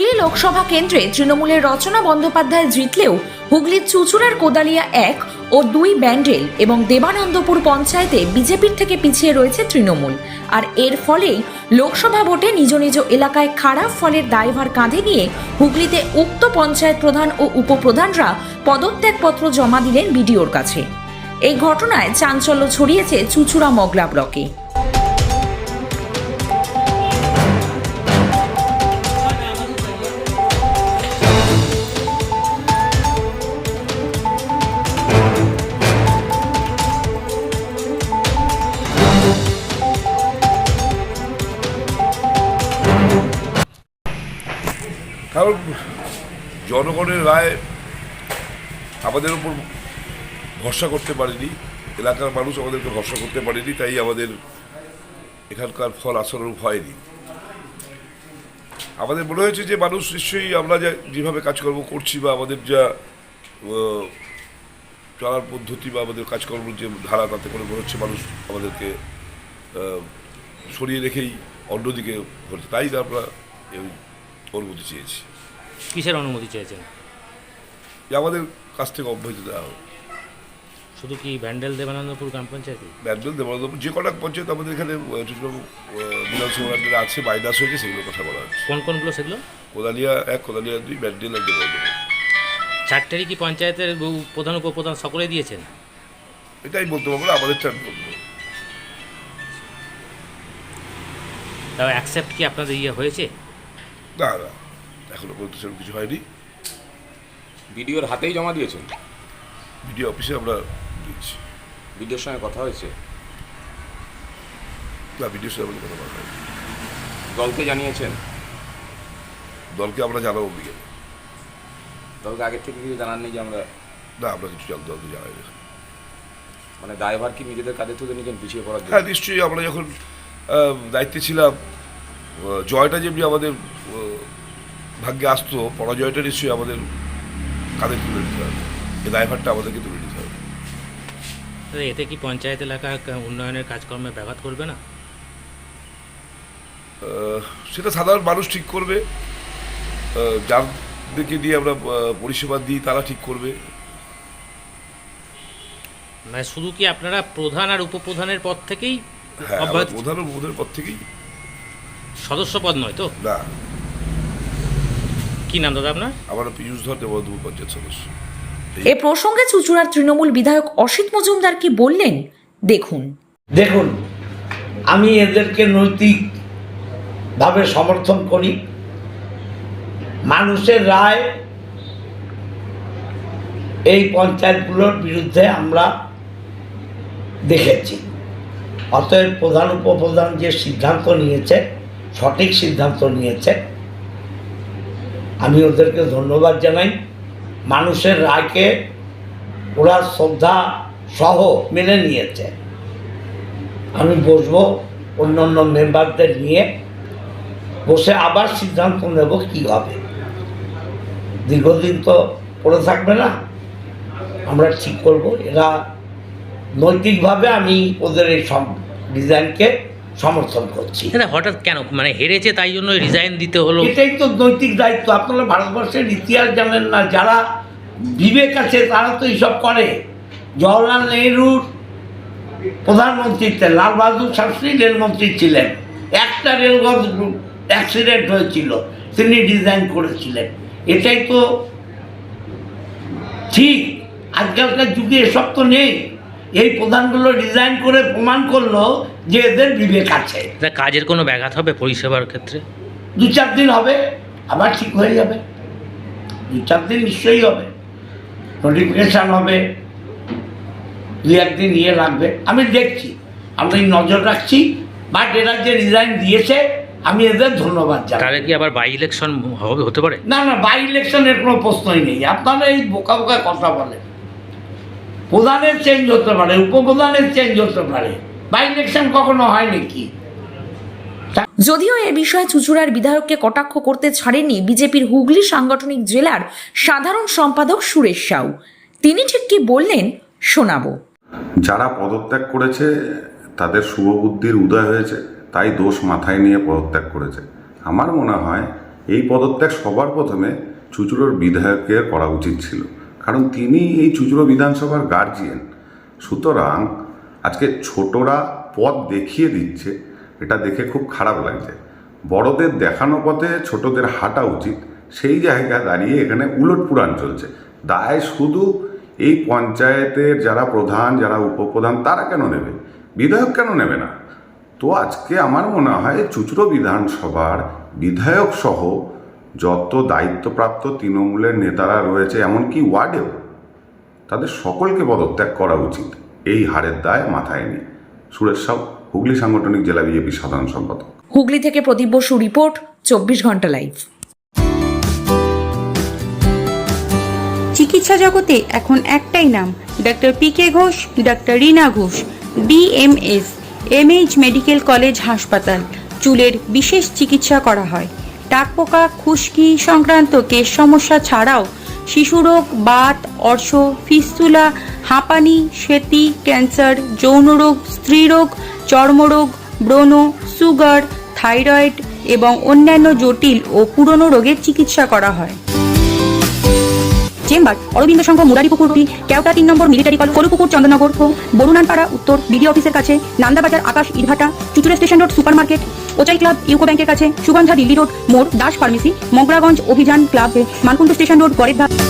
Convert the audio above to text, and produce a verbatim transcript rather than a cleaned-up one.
হুগলি লোকসভা কেন্দ্রে তৃণমূলের রচনা বন্দ্যোপাধ্যায় জিতলেও হুগলির চুঁচুড়ার কোদালিয়া এক ও দুই ব্যান্ডেল এবং দেবানন্দপুর পঞ্চায়েতে বিজেপির থেকে পিছিয়ে রয়েছে তৃণমূল। আর এর ফলেই লোকসভা ভোটে নিজ নিজ এলাকায় খারাপ ফলের দায়ভার কাঁধে নিয়ে হুগলিতে উক্ত পঞ্চায়েত প্রধান ও উপপ্রধানরা পদত্যাগপত্র জমা দিলেন বিডিওর কাছে। এই ঘটনায় চাঞ্চল্য ছড়িয়েছে চুঁচুড়া মগলা ব্লকে। কারণ জনগণের রায় আমাদের উপর ভরসা করতে পারেনি, এলাকার মানুষ আমাদেরকে ভরসা করতে পারেনি, তাই আমাদের এখানকার ফল আশানুরূপ হয়নি। আমাদের মনে হয়েছে যে মানুষ নিশ্চয়ই আমরা যা যেভাবে কাজকর্ম করছি বা আমাদের যা চলার পদ্ধতি বা আমাদের কাজকর্ম যে ধারা, তাতে করে মনে হচ্ছে মানুষ আমাদেরকে সরিয়ে রেখেই অন্যদিকে করছে, তাই আমরা অনুমতি চেয়েছি। কিসের অনুমতি চেয়েছেন? যে আমাদের কাছ থেকে অব্যাহতি দেওয়া হোক। শুধু কি ব্যান্ডেল দেবানন্দপুর গ্রাম পঞ্চায়েত? ব্যান্ডেল দেবানন্দপুর যে কটা পঞ্চায়েত আমাদের এখানে বিধানসভা আছে বাইনাস হয়েছে, সেগুলো কথা বলা হচ্ছে। কোন কোনগুলো সেগুলো? কোদালিয়া এক, কোদালিয়া দুই, ব্যান্ডেল আর দেবানন্দপুর। চারটেরই কি পঞ্চায়েতের প্রধান উপপ্রধান সকলে দিয়েছেন? এটাই বলতে পারবো না, আমাদের চার বলবো। তাও অ্যাকসেপ্ট কি আপনাদের ইয়ে হয়েছে? না না, এখনো পর্যন্ত সেরকম কিছু হয়নি। বিডিওর হাতেই জমা দিয়েছেন? বিডিও অফিসে আমরা দিয়েছি। বিডিওর সঙ্গে কথা হয়েছে? না, বিডিওর সঙ্গে আমাদের কথা বলা হয়নি। দলকে জানিয়েছেন? দলকে আমরা জানাবো বিকেলে। দলকে আগের থেকে কিছু জানাননি যে আমরা? না, আমরা কিছু দলকে জানাই না। মানে দায়ভার কি নিজেদের কাঁধে তুলে নিয়েছেন পিছিয়ে পড়ার জন্য? হ্যাঁ, নিশ্চয়ই। আমরা যখন দায়িত্বে ছিলাম, জয়টা যেমনি আমাদের ভাগ্যে আসতো, পরাজয়টা নিশ্চয়ই আমাদের কাঁধে তুলে নিতে হবে, এই দায়ভারটা আমাদেরকে তুলে নিতে হবে। এতে কি পঞ্চায়েত এলাকার উন্নয়নের কাজকর্মে ব্যাঘাত করবে না? সেটা সাধারণ মানুষ ঠিক করবে, যাদেরকে দিয়ে আমরা পরিষেবা দিই তারা ঠিক করবে। মানে শুধু কি আপনারা প্রধান আর উপপ্রধানের পদ থেকেই? হ্যাঁ, প্রধান ও উপপ্রধানের পদ থেকেই। সদস্য পদ নয় তো? না। কি নাম দাদা আপনার? আমার পীযূষ ধর, দেবানন্দপুর পঞ্চায়েত সদস্য। এ প্রসঙ্গে চুঁচুড়ার তৃণমূল বিধায়ক অসিত মজুমদার কি বললেন দেখুন। দেখুন, আমি এদেরকে নৈতিকভাবে সমর্থন করি। মানুষের রায় এই পঞ্চায়েতগুলোর বিরুদ্ধে আমরা দেখেছি। অতএব প্রধান উপপ্রধান যে সিদ্ধান্ত নিয়েছে, সঠিক সিদ্ধান্ত নিয়েছে, আমি ওদেরকে ধন্যবাদ জানাই। মানুষের রায়কে ওরা শ্রদ্ধা সহ মেনে নিয়েছে। আমি বসবো অন্য অন্য মেম্বারদের নিয়ে, বসে আবার সিদ্ধান্ত নেব কী হবে। দীর্ঘদিন তো পড়ে থাকবে না, আমরা ঠিক করব। এরা নৈতিকভাবে আমি ওদের এই সব ডিজাইনকে সমর্থন করছি। হঠাৎ কেন মানে হেরেছে তাই জন্য রিজাইন দিতে হলো? এটাই তো নৈতিক দায়িত্ব। আপনারা ভারতবর্ষের ইতিহাস জানেন না, যারা বিবেক আছে তারা তো এইসব করে। জওয়াহরলাল নেহরুর প্রধানমন্ত্রীতে লাল বাহাদুর শাস্ত্রী রেলমন্ত্রী ছিলেন, একটা রেলপথ অ্যাক্সিডেন্ট হয়েছিল, তিনি ডিজাইন করেছিলেন। এটাই তো ঠিক। আজকালকার যুগে এসব তো নেই। এই প্রধানগুলো ডিজাইন করে প্রমাণ করলো যে এদের বিবেক আছে। কাজের কোনো ব্যাঘাত হবে পরিষেবার ক্ষেত্রে? দু চার দিন হবে, আবার ঠিক হয়ে যাবে। দু চার দিন নিশ্চয়ই হবে, নোটিফিকেশান হবে, দু একদিন ইয়ে লাগবে। আমি দেখছি, আমি নজর রাখছি। বাট এরা যে রিজাইন দিয়েছে, আমি এদের ধন্যবাদ জানাই। তাহলে কি আবার বাই ইলেকশন হবে, হতে পারে? না না, বাই ইলেকশনের কোনো প্রশ্নই নেই। আপনারা এই বোকা বোকা কথা বলেন। প্রধানের চেঞ্জ হতে পারে, উপপ্রধানের চেঞ্জ হতে পারে, বাই ইলেকশন কখনো হয় নাকি? যদিও এ বিষয়ে চুঁচুড়ার বিধায়ককে কটাক্ষ করতে ছাড়েননি বিজেপির হুগলি সাংগঠনিক জেলার সাধারণ সম্পাদক সুরেশ সাউ। তিনি ঠিক কি বললেন শোনাবো। যারা পদত্যাগ করেছে তাদের শুভবুদ্ধির উদয় হয়েছে, তাই দোষ মাথায় নিয়ে পদত্যাগ করেছে। আমার মনে হয় এই পদত্যাগ সবার প্রথমে চুঁচুড়োর বিধায়কের করা উচিত ছিল, কারণ তিনি এই চুঁচুড়ো বিধানসভার গার্জিয়ান। সুতরাং আজকে ছোটরা পথ দেখিয়ে দিচ্ছে, এটা দেখে খুব খারাপ লাগছে। বড়দের দেখানো পথে ছোটদের হাঁটা উচিত, সেই জায়গায় দাঁড়িয়ে এখানে উলটপুরাণ চলছে। দায় শুধু এই পঞ্চায়েতের যারা প্রধান, যারা উপপ্রধান, তারা কেন নেবে, বিধায়ক কেন নেবে না? তো আজকে আমার মনে হয় চুঁচুড়ো বিধানসভার বিধায়ক সহ যত দায়িত্বপ্রাপ্ত তৃণমূলের নেতারা রয়েছে, এমনকি ওয়ার্ডেও, তাদের সকলকে পদত্যাগ করা উচিত এই হারের দায় মাথায় নিয়ে। সুরেশ সাউ, হুগলি সাংগঠনিক জেলা বিজেপি সাধারণ সম্পাদক। হুগলি থেকে প্রদীপ বসু রিপোর্ট, চব্বিশ ঘন্টা লাইভ। চিকিৎসা জগতে এখন একটাই নাম, doctor P K Ghosh, doctor Reena Ghosh, B M S, M H medical college হাসপাতাল। চুলের বিশেষ চিকিৎসা করা হয়। টাকপোকা, খুশকি সংক্রান্ত কেশ সমস্যা ছাড়াও শিশুরোগ, বাত, অর্শ, ফিস্তুলা, হাঁপানি, সেতি, ক্যান্সার, যৌনরোগ, স্ত্রীরোগ, চর্মরোগ, ব্রণ, সুগার, থাইরয়েড এবং অন্যান্য জটিল ও পুরনো রোগের চিকিৎসা করা হয়। চেম্বার অরবিন্দ সংঘ, মুরারিপুকুরটি, কেওটা তিন নম্বর মিলিটারি কলেজ, কলুপুকুর, চন্দননগর, বরুণানপাড়া উত্তর, বিডি অফিসের কাছে, নান্দাবাজার, আকাশ, ইটভাটা, Chuchura station road, super market, ওচাই ক্লাব, ইউকো ব্যাংকের কাছে, সুগন্ধা দিল্লি রোড মোড়, দাস ফার্মেসি, মগরাগঞ্জ অভিযান ক্লাব, মানকুণ্ড স্টেশন রোড, গড়ের ধাপ।